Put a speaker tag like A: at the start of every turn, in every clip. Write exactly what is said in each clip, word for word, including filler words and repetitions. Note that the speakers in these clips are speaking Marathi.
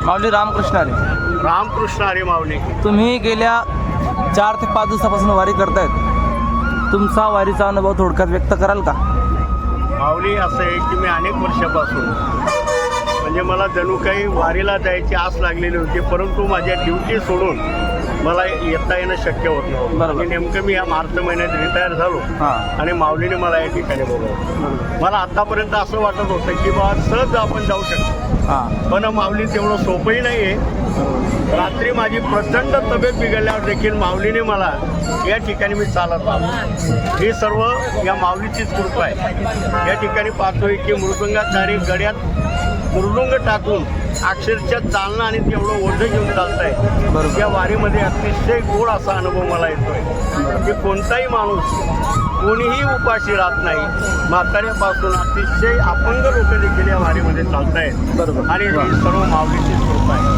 A: माऊली रामकृष्ण हरी.
B: रामकृष्ण हरी माऊली.
A: तुम्ही गेल्या चार ते पाच दिवसापासून वारी करतायत. तुमचा वारीचा अनुभव थोडक्यात व्यक्त कराल का?
B: माऊली असं आहे की मी अनेक वर्षापासून म्हणजे मला जणू काही वारीला जायची आस लागलेली होती, परंतु माझ्या ड्युटी सोडून मला येता येणं शक्य होत नव्हतं. आणि नेमकं मी या मार्च महिन्यात रिटायर झालो आणि माऊलीने मला या ठिकाणी बोलवलं. मला आतापर्यंत असं वाटत होतं की बा सहज आपण जाऊ शकतो, पण माऊली तेवढं सोपंही नाही आहे. रात्री माझी प्रचंड तब्येत बिघडल्यावर देखील माऊलीने मला या ठिकाणी मी चालत आलो. ही सर्व या माऊलीचीच कृपा आहे. या ठिकाणी पाहतोय की मृदंगाचारी गड्यात मृदुंग टाकून अक्षरशः चालणं आणि तेवढं ओझं घेऊन चालत आहे. या वारीमध्ये अतिशय गोड असा अनुभव मला येतोय की कोणताही माणूस कोणीही उपाशी राहत नाही. म्हाताऱ्यापासून अतिशय अपंग लोक देखील या वारीमध्ये चालत आहेत आणि ही सर्व माऊलीचीच कृपा आहे.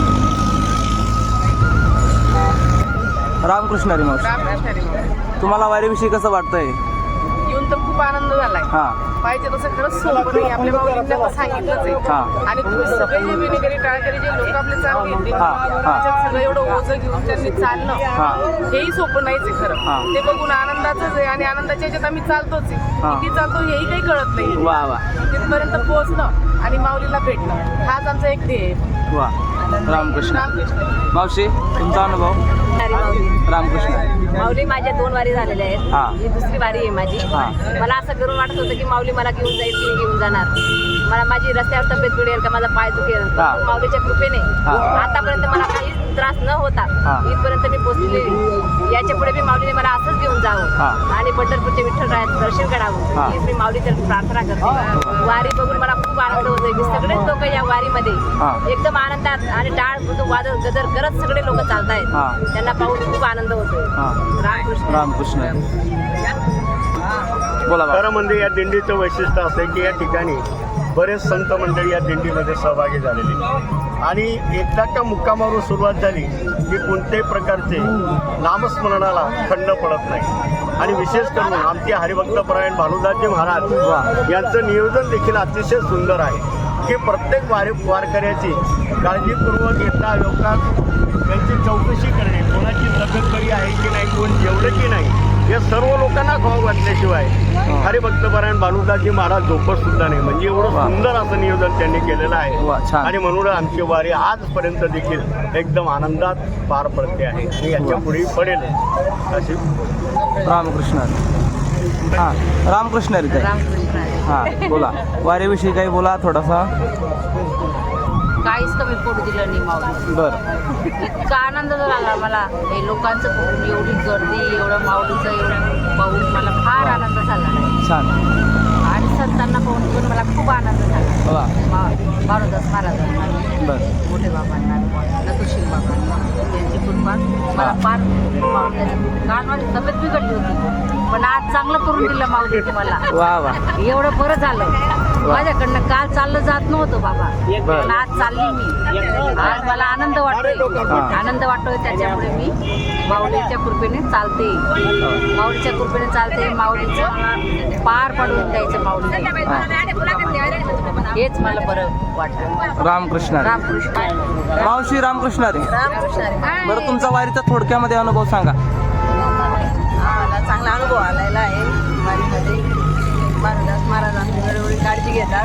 A: रामकृष्ण हरी मावशी, तुम्हाला वारीविषयी कसं वाटतंय?
C: येऊन तर खूप आनंद झालाय. पाहिजे तसं खरंच सोपं नाही. आपल्या माऊलींना पण सांगितलंच आहे. आणि तुम्ही सगळे जे विनेगरी टाळकरी जे लोक आपले चालू घेतले त्याच्यात सगळं एवढं ओझं घेऊन त्यांनी चालणं हेही सोपं नाहीच आहे खरं. ते बघून आनंदाचंच आहे आणि आनंदाच्या ह्याच्यात आम्ही चालतोच आहे. किती चालतो हेही काही कळत नाही.
A: वा वा,
C: तिथपर्यंत पोहोचणं आणि माऊलीला भेटणं हाच आमचा एक ध्येय आहे.
A: वा, रामकृष्ण.
C: रामकृष्ण.
A: मावशी, तुमचा अनुभव?
D: रामकृष्ण. माऊली माझ्या दोन वारी झालेल्या आहेत. ही दुसरी वारी आहे माझी. मला असं करून वाटत होतं की माऊली मला घेऊन जाईल की घेऊन जाणार, मला माझी रस्त्यावर तब्येत बिघडेल का माझा पाय दुखेल. माऊलीच्या कृपेने आतापर्यंत मला काही त्रास न होता इथपर्यंत मी पोहोचलेली. याच्या पुढे मी माऊलीने मला असंच घेऊन जावं आणि पंढरपूरच्या विठ्ठलरायाचं दर्शन करावं हीच मी माऊलीच्या प्रार्थना करते. वारी बघून मला खूप आनंद होतोय की सगळेच लोक या वारीमध्ये एकदम आनंदात आणि टाळ मृदू वादळ गजर करत सगळे लोक चालतायत. त्यांना पाहून खूप आनंद होतोय. रामकृष्ण.
A: रामकृष्ण. बोला.
B: खरं म्हणजे या दिंडीचं वैशिष्ट्य असं आहे की या ठिकाणी बरेच संत मंडळी या दिंडीमध्ये सहभागी झालेले आणि एकदा का मुक्कामावरून सुरुवात झाली की कोणत्याही प्रकारचे नामस्मरणाला खंड पडत नाही. आणि विशेष करून आमचे हरिभक्तपरायण भानुदासजी महाराज यांचं नियोजन देखील अतिशय सुंदर आहे की प्रत्येक वारी वारकऱ्याची काळजीपूर्वक येता योगात त्यांची चौकशी करणे, कोणाची तब्येत बरी आहे की नाही, कोण जेवलं की नाही, या सर्व लोकांना खाऊ घातल्याशिवाय हरिभक्तपरायण भानुदासजी महाराज झोपत सुद्धा नाही. म्हणजे एवढं सुंदर असं नियोजन त्यांनी केलेलं आहे आणि म्हणून आमची वारी आजपर्यंत देखील एकदम आनंदात पार पडते आहे आणि याच्या पुढे पडेल अशी.
A: रामकृष्ण. हां, रामकृष्ण हरी. हां, बोला. वारीविषयी काही बोला थोडासा.
D: काहीच कमी पडू दिलं नाही माऊली.
A: बरं.
D: इतका आनंद झाला मला हे लोकांचं बघून, एवढी गर्दी, एवढं माऊलीचं एवढं पाहून मला फार आनंद झाला.
A: छान.
D: आणि संतांना पाहून पण मला खूप आनंद झाला. भानुदास महाराजांना, मोठे बाबांना, नकुशील बाबांना यांची कृपा मला फार माऊली. काल माझी तब्येत बिघडली होती पण आज चांगलं करून दिलं माऊलीने मला.
A: वा वा,
D: एवढं बरं झालं. माझ्याकडनं काल चाललं जात नव्हतं बाबा, पण आज चालली मी. आज मला आनंद वाटतोय, आनंद वाटतोय. त्याच्यामुळे मी माऊलीच्या कृपेने चालते, माऊलीच्या कृपेने चालते. माऊलीचं पार पडून द्यायचं माऊली, हेच मला बरं वाटतं.
A: रामकृष्ण.
D: रामकृष्ण.
A: मावशी रामकृष्ण हरी.
D: रामकृष्ण.
A: बरं, तुमचा वारीचा थोडक्यामध्ये अनुभव सांगा.
D: मला चांगला अनुभव आलेला आहे वारीमध्ये. भानुदास महाराज आमची वेळोवेळी काळजी घेतात.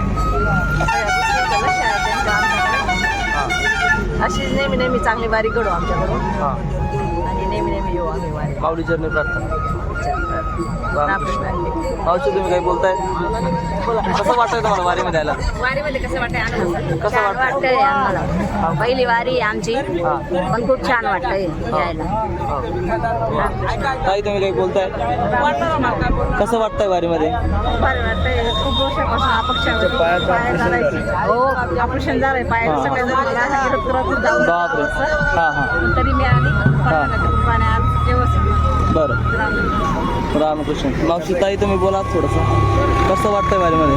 D: अशीच नेहमी नेहमी चांगली वारी घडू आमच्याकडून आणि नेहमी नेहमी येऊ आम्ही वारी.
A: माऊली चरणी प्रार्थना.
D: रामकृष्ण.
A: मावशी, तुम्ही काही बोलताय? कसं वाटतंय तुम्हाला वारीमध्ये आला?
D: वारीमध्ये कसं वाटतंय? आनंद
A: कसं वाटतंय?
D: वाटतंय आम्हाला. पहिली वारी आहे आमची पण खूप छान वाटतंय यायला.
A: ताई, तुम्ही काही बोलताय? कसं वाटतंय वारीमध्ये?
D: बरं वाटतंय. खूप वर्षापासून अपक्ष पाया चालायची. हो, ऑपरेशन झालंय पायाचं सगळ्या जणांना.
A: बापरे. हां हां.
D: तरी मी आली पाण्यात व्यवस्थित.
A: बरं. रामकृष्ण. मावशी, ताई तुम्ही बोला थोडंसं. कसं वाटतंय वारीमध्ये?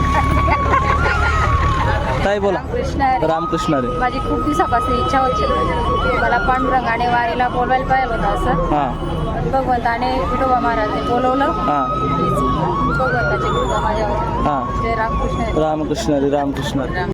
A: ताई बोला. रामकृष्ण हरी.
E: माझी खूप दिवसापासून इच्छा होती मला पांडुरंगाने वारीला बोलवायला पाहिजे होतं असं.
A: हां.
E: भगवंताने विठोबा महाराजने बोलवलं.
A: हां.
E: भगवंताची कृपा माझ्यावर.
A: हां.
E: जय रामकृष्ण.
A: रामकृष्ण हरी. रामकृष्ण हरी.